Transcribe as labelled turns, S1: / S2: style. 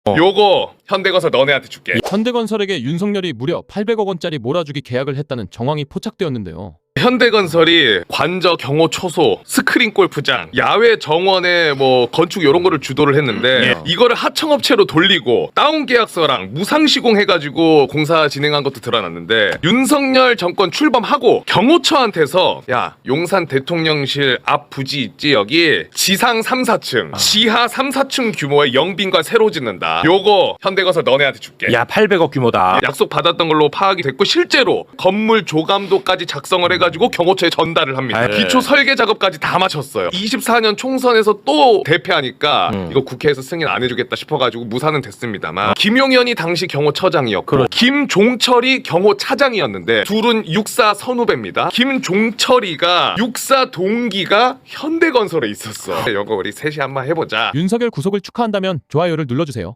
S1: 요거 현대건설 너네한테 줄게.
S2: 현대건설에게 윤석열이 무려 800억 원짜리 몰아주기 계약을 했다는 정황이 포착되었는데요.
S1: 현대건설이 관저 경호 초소, 스크린 골프장, 야외 정원에 뭐 건축 이런 거를 주도를 했는데 이거를 하청업체로 돌리고 다운 계약서랑 무상 시공해가지고 공사 진행한 것도 드러났는데 윤석열 정권 출범하고 경호처한테서 야 용산 대통령실 앞 부지 있지 여기 지상 3, 4층 지하 3, 4층 규모의 영빈관 새로 짓는다. 요거 현대건설 너네한테 줄게.
S3: 야 800억 규모다.
S1: 약속 받았던 걸로 파악이 됐고 실제로 건물 조감도까지 작성을 해가지고 경호처에 전달을 합니다. 기초 설계 작업까지 다 마쳤어요. 24년 총선에서 또 대패하니까 이거 국회에서 승인 안 해주겠다 싶어가지고 무산은 됐습니다만 김용현이 당시 경호처장이었고 김종철이 경호차장이었는데 둘은 육사 선후배입니다. 김종철이가 육사 동기가 현대건설에 있었어. 이거 우리 셋이 한번 해보자.
S2: 윤석열 구속을 축하한다면 좋아요를 눌러주세요.